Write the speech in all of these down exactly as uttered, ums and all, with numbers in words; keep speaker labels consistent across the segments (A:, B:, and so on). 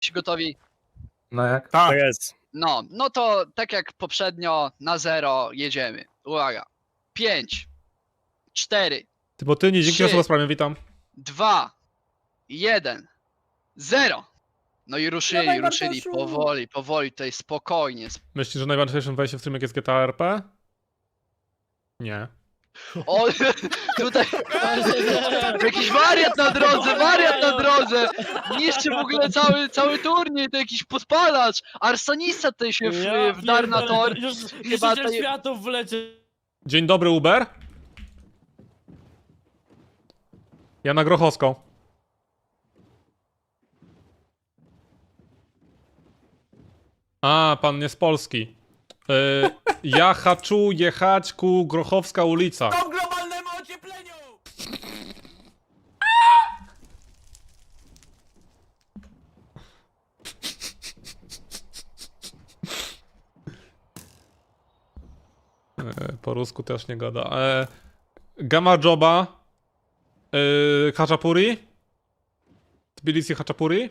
A: Gotowi?
B: No jak?
C: Tak jest.
A: No, no to tak jak poprzednio, na zero jedziemy. Uwaga. Pięć, cztery,
D: Ty, bo ty nie dzięki
A: Trzy.
D: osoba sprawie, witam.
A: dwa, jeden, zero. No i ruszyli,
B: Dawaj,
A: ruszyli,
B: Bartoszu.
A: powoli, powoli, tutaj spokojnie. sp-
D: Myślisz, że najważniejszym wejściem w streamek jest G T A R P? Nie.
A: O, tutaj jakiś wariat na drodze, wariat na drodze! Niszczy w ogóle cały, cały turniej, to jakiś podpalacz! Arsonista tutaj się w,
E: Ja
A: wdarł na
E: pierdolę,
A: tor.
E: Już
A: Chyba
E: niszczyciel
A: tutaj-
E: światów wlecie.
D: Dzień dobry, Uber. Ja na Grochowską. A, pan nie z Polski. Y, ja haczu jechać ku Grochowska ulica.
C: To globalnemu ociepleniu!
D: E, po rusku też nie gada. E, Gamma Joba. E, Haczapuri. Tbilisi Haczapuri.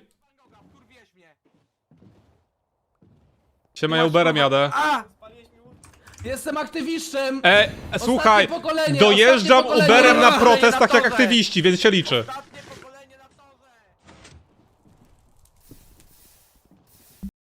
D: Siema, ja Uberem jadę.
B: A! Jestem aktywiszczem!
D: E, słuchaj,
B: pokolenie,
D: dojeżdżam
B: ostatnie pokolenie.
D: Uberem na
B: Ej,
D: protest
B: na
D: tak jak
B: torze.
D: aktywiści, więc się liczy.